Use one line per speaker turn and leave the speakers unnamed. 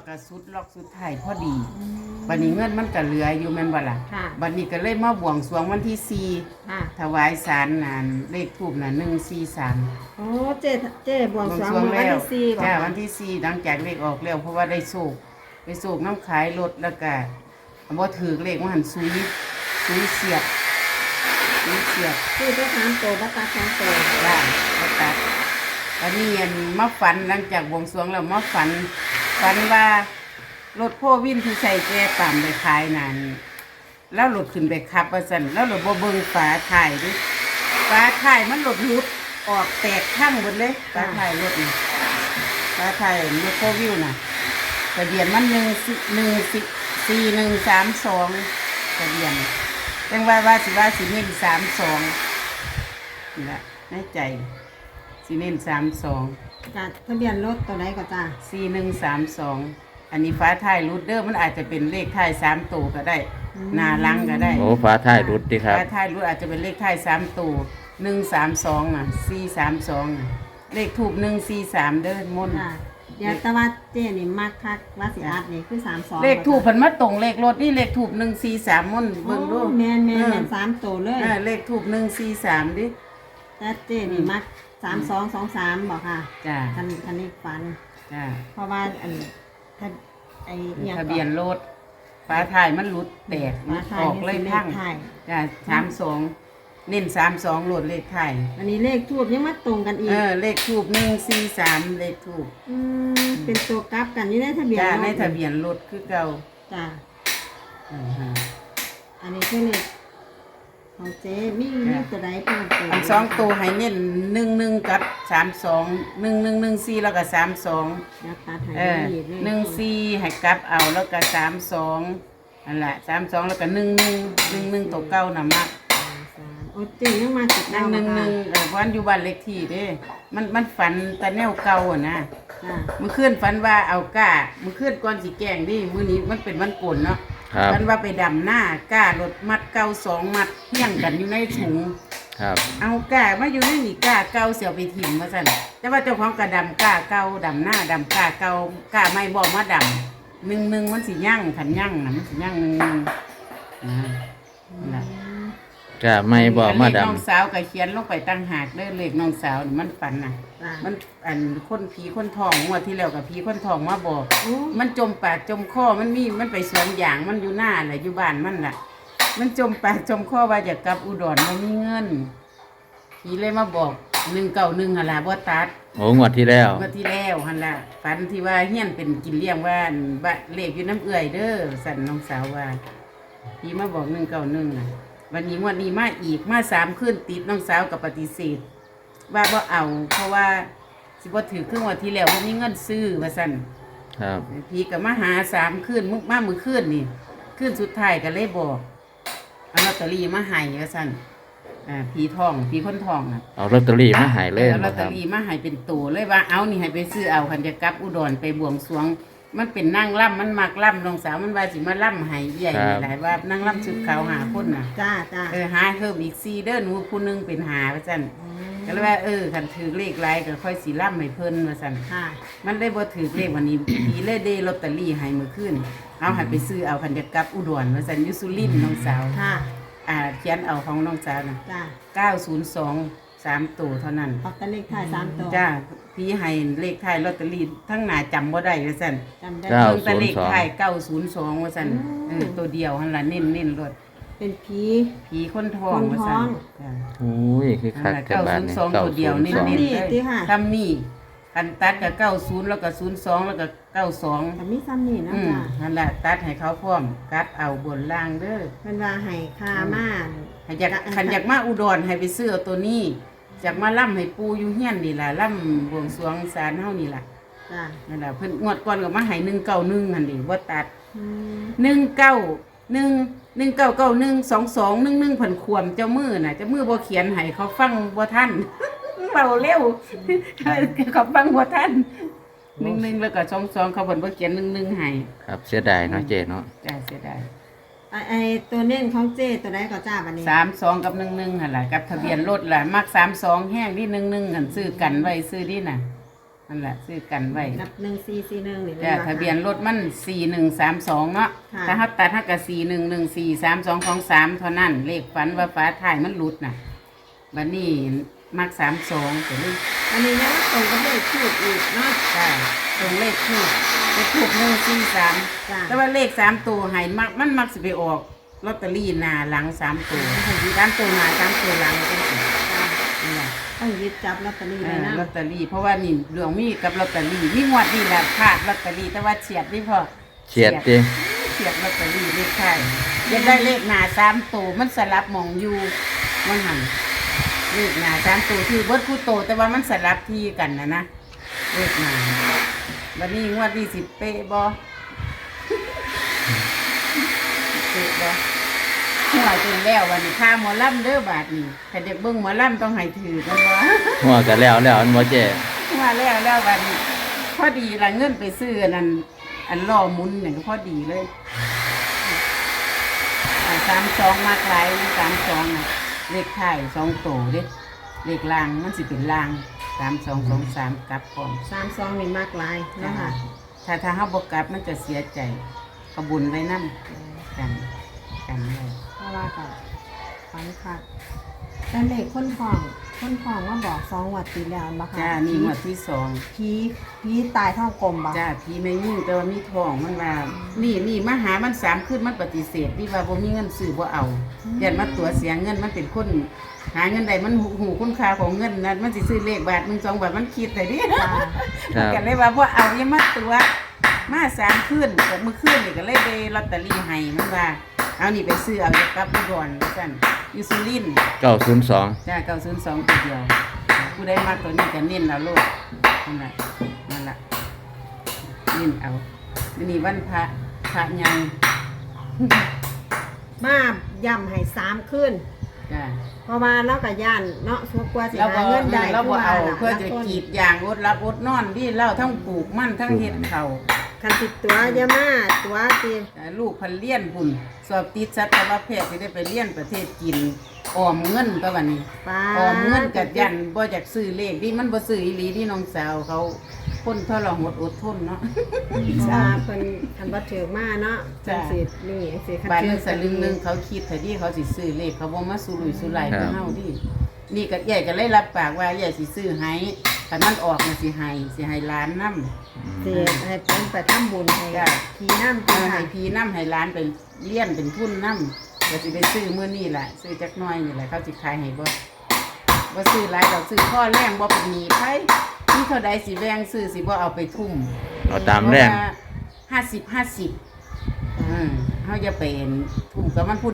ก็สุดล็อกสุดท้ายพอดีบัดนี้เงินมันก็เหลืออยู่แม่นบ่ล่ะบัดนี้ก็เลยมาบวงสรวงวันที่4ถวายศาลนั่นเลขทูปน่ะ143
โอ้เจ๊บวงสรวงวันที่4บ่
จ้าวันที่4หลังจากเลขออกแล้วเพราะว่าได้โชคไปโชคน้ำขายรถแล้วก็บ่ถูกเลขว่าหันซุยเสียบ
คือได้3ตัวบ่ตัด2ตัว
จ้าบ่ตัดอันนี้มาฝันหลังจากบวงสรวงแล้วมาฝันว่ารถพ่อวินที่ใส่แก่ปั่มไปขายนั่นแล้วรถขึ้นไปขับว่าซั่นแล้วรถบ่เบิ่งฝาท้ายดิฝาท้ายมันรถหลุดออกแตกทั้งหมดเลยฝาท้ายรถนี่ฝาท้ายรถพ่อวิวน่ะทะเบียนมัน4132ทะเบียนจังว่าสิเน้น32นี่ล่ะในใจสิเน้น32
จ้ะทะเบียนรถตัวไหนก็จ้ะ
4132อันนี้ฟ้าท้ายรูดเดอร์มันอาจจะเป็นเลขท้าย3ตัวก็ได้หน้าหลังก็ได้
โอ้ฟ้าท้ายรุดดิครับ
ฟ้าท้ายรูดอาจจะเป็นเลขท้าย3ตัว132น่ะ432น่ะเลขทูป143เด้อมนต์
เดี๋ยวตะวัดเจ๊นี่มักคักว่าสิอัดนี่คือ32
เลขทูปเพิ่นมาตรงเลขรถนี่เลขทูป143มนต์เบิ่งดู
แม่น3ตัวเลย
เลขทูป143ดิ
แต่เจ๊นี่มัก3223บ่ค่ะ
จ้า
คันนี้ฝัน
จ้า
เพราะว่า
ทะเบียนรถฟ้าท้ายมันหลุดแตกออกเลยทั้งจ้า32เน้น32โหลดเลขท้าย
อันนี้เลขทูปยังมาตรงกันอีก
เลขทูป143เลขทูป
เป็นตัวกลับกันอยู่ในทะเบียน
จ้าในทะเบียนรถคือเก่า
จ้าอันนี้คือเลขของเจ๊มีตัวใดเพิ่มเติม
อัน2ตัวให้เน้น11กับ32 1114แล้วก็32
นะตัดให้
14ให้กลับเอาแล้วก็32นั่นแหละ32แล้วก็11ตัวเก่าน่ะมัก
โอ้เจ๊ยังมาติด
11วันอยู่บ้านเลขที่เด้มันฝันแต่แนวเก่าอ่ะนะมื้อคืนฝันว่าเอาก้ามื้อคืนก่อนสิแกล้งดิมื้อนี้มันเป็นวันโกนเนาะฝันว่าไปดำหน้าก้ารถมัดเก่า2มัดเฮี้ยงกันอยู่ในถุง
ครับ
เอาก้ามาอยู่ในนี่ก้าเก่าเสียวไปถิ่มว่าซั่นแต่ว่าเจ้าของก็ดำก้าเก่าดำหน้าดำก้าเก่าก้าไม่บ่มาดำ1มันสิยั่งคันยั่งน่ะมันสิยั่ง1นั่น
ก็ไม่บอกมาดำ
น้องสาวก็เขียนลงไปตั้งหากเด้อเลขน้องสาวนี่มันฝันน่ะมันคนผีคนทองงวดที่แล้วกับผีคนทองมาบอกมันจมปากจมคอมันไปสวนอย่างมันอยู่หน้าน่ะอยู่บ้านมันน่ะมันจมปากจมคอว่าอยากกลับอุดรบ่มีเงินผีเลยมาบอก191หั่นล่ะบ่ตัด
โอ้งวดที่แล้ว
หั่นล่ะฝันที่ว่าเฮียนเป็นกินเลี้ยงว่าเลขอยู่น้ำเอื้อยเด้อสั่นน้องสาวว่าผีมาบอก191น่ะวันนี้วันนี้มาอีกมา3คืนติดน้องสาวกับปฏิเสธว่าบ่เอาเพราะว่าสิบ่ถือครึ่งวันที่แล้วบ่มีเงินซื้อว่าซั่น
ครับ
พี่ก็มาหา3คืนมื้อคืนนี่คืนสุดท้ายก็เลยบอกเอาลอตเตอรี่มาให้ว่าซั่นผีคนทองน่ะ
เอาลอตเตอรี่มาให้เลย
เอาลอตเตอรี่มาให้เป็นตัวเลยว่าเอานี่ให้ไปซื้อเอาคันจะกลับอุดรไปบวงสรวงมันเป็นนางล่ำมันมักล่ำน้องสาวมันว่าสิมาล่ำให้ใหญ่หลายว่านางล่ำชุดขาวหาคนน่ะ
จ้า
หาเพิ่มอีก4เด้อหนูผู้นึงเป็นหาว่าซั่นก็เลยว่าคันถือเลขหลายก็ค่อยสิล่ำให้เพิ่นว่าซั่นมันได้บ่ถือเลขวันนี้ผีเลยได้ลอตเตอรี่ให้มื้อคืนเอาให้ไปซื้อเอาคันจะกลับอุดรว่าซั่นอยู่สุรินทร์น้องสาวเขียนเอาของน้องสาวน่ะ902 3ตัวเท่านั้น
ออกแต่เลขท้าย3ตัว
จ้าพี่ให้เลขท้ายลอตเตอรี่ทั้งหน้าจำบ่ได้ว่าซั่น
จำได้
แต่เลขท้าย902ว่าซั่นตัวเดียวหั่นล่ะเน้นรถ
เป็นผี
คนทองว่าซั่นจ้า
โอ้ยคือคัก
แต่บ้านนี่902ตัวเดียวเน้นๆทำนี่คันตัดก็90แล้วก็02แล้วก็92
แต่มีซ้ำนี่นะจ้า
นั่นแหละตัดให้เขาพร้อมกัดเอาบนล่างเด้อ
เพิ่นว่าให้ค่ามา
ให้อยากมาอุดรให้ไปซื้อเอาตัวนี้จากมาล่ำให้ปูอยู่เฮียนนี่ล่ะล่ำบวงสรวงศาลเฮานี่ล่ะ
จ้า
นั่นล่ะเพิ่นงวดก่อนก็มาให้191หั่นดิบ่ตัด19912221เพิ่นควมเจ้ามือน่ะเจ้ามือบ่เขียนให้เขาฟังบ่ทันเบาเร็วเขาฟังบ่ทัน11แล้วก็22เขาเพิ่นบ่เขียน11ให้
ครับเสียดายเนาะเจ๊เนาะ
จ้าเสียดาย
ตัวเน้นของเจ๊ตัวใดก็จ้าบัดนี้
32กับ11หั่นล่ะกับทะเบียนรถล่ะมัก32แฮงที่11หั่นซื้อกันไว้ซื้อนี่น่ะนั่นแหละซื้อกันไว้
กับ1441นี่
จ้ะทะเบียนรถมัน4132เนาะ
ค่ะ
ถ้าเฮาตัดเฮาก็41143223เท่านั้นเลขฝันว่าฟ้าถ่ายมันหลุดน่ะบัดนี้มัก32ก็เลย
อันนี้นะตรงกับเลขทูบอีกเนาะ
จ้ะตรงเลขทูบเลขทูบ143
จ้ะ
แต่ว่าเลข3ตัวให้มักสิไปออกลอตเตอรี่หน้าหลัง3ตัว3ตัวหน้า3ตัวหลังจังซี่นี่ล่ะ
ต้องยึดจับลอตเตอรี่ไว้นะ
ลอตเตอรี่เพราะว่านี่ดวงมีกับลอตเตอรี่มีงวดนี่แหละพลาดลอตเตอรี่แต่ว่าเฉียดนี่พอ
เฉียดดิ
เฉียดลอตเตอรี่เลขท้ายยังได้เลขหน้า3ตัวมันสลับหมองอยู่มันหันเลขหน้า3ตัวที่เบิดคู่โตแต่ว่ามันสลับที่กันนะเลขหน้าวันนี้งวดที่10เป๊ะบ่เป๊ะบ่หัวจนแล้ววันนี้ค่าหมอลำเด้อบาทนี่ถ้าเด็กเบิ่งหมอลำต้องให้ถือกันบ่
หัวกันแล้วอันบ่เจ๊
มาแล้ววันนี้พอดีละเงินไปซื้ออันนั้นอันล่อหมุนเนี่ยก็พอดีเลย32มากหลาย32น่ะเลขท้าย2โตเด้เลขล่างมันสิเป็นล่าง3223กลับพร้อม
32นี่มากหลายเนาะค่ะ
ถ้าเฮาบ่กลับมันจะเสียใจกระบุญไว้นำกันไว้
เพราะว่าก็ฝันค่ะแต่เลขคนท้องมาบอก2วัดปีแล้วบ่ค่ะ
จ้านี่งวดที่สอง
ผีตายท้องกลมบ่
จ้าพี่ไม่ยิ่งแต่ว่ามีทองมันว่านี่มาหามัน3คืนมันปฏิเสธที่ว่าบ่มีเงินซื้อบ่เอายันมาตัวเสียเงินมันเป็นคนหาเงินใดมันหูคุณค่าของเงินนั้นมันสิซื้อเลขบาท1 2บาทมันคิดได้ดิ
จ้า
ครับ
ก็เลยว่าบ่เอาอย่ามาตัวมา3คืนกับมื้อคืนนี่ก็เลยได้ลอตเตอรี่ให้มันว่าเอานี่ไปซื้อเอาจะกลับไปก่อนว่าซั่นอยู่สุรินทร์
902
จ้า902ตัวเดียวผู้ใดมักตัวนี้ก็เน้นเอาโลดนั่นล่ะเน้นเอามื้อนี้วันพระใหญ่
มาย่ำให้3คืน
จ้า
เพราะว่าเราก็ย่านเนาะสัวกว่าสิ
เรา
หา
บ่
เงินได้
เราบ่เอา
ล่ะ
เพื่อจะกรีดยางอดรับอดนอนที่เราทั้งปลูกมันทั้งเฮ็ดข้าว
คันติดตัวอย่ามาตัวติ
ลูกพันเลี้ยนพุ่นสอบติดสัตวแพทย์สิได้ไปเรียนประเทศจีนออมเงินก็วันนี้
ป้า
ออมเงินกับยันบ่อยากซื้อเลขนี่มันบ่ซื้ออีหลีที่น้องสาวเขาคนทรหดอดทนเนาะ
เพราะว่าเพิ่นคันบ่ถือมาเนาะจังสินี่สิคัน
บาทห
ถื
นึ
อง
สลึงหนึงเขาคิดแต่ที่เขาสิซื้อเลขเขาบ่มาสุรุ่ยสุร่ายคือเฮาดินี่ก็ใหญ่ก็เลยรับปากว่าใหญ่สิซื้อให้คันมันออกน่ะสิให้ล้านนำ
สิให้เพิ่นไปทำบุญให้
จ้ะ
พี่น้ำ
ให้
ค่ะ
พี่นำให้ล้านไปเลี้ยนเป็นทุนนำก็สิไปซื้อมื้อนี้ล่ะซื้อจักหน่อยนี่แหละเขาสิขายให้บ่ซื้อหลายดอกซื้อข้อแรงบ่เป็นหนี้ไผมีเท่าใดสิแบ่งซื้อสิบ่เอาไปทุ่ม
เอาตามแรง
50 50เฮาจะเป็นทุ่มกับมันพูด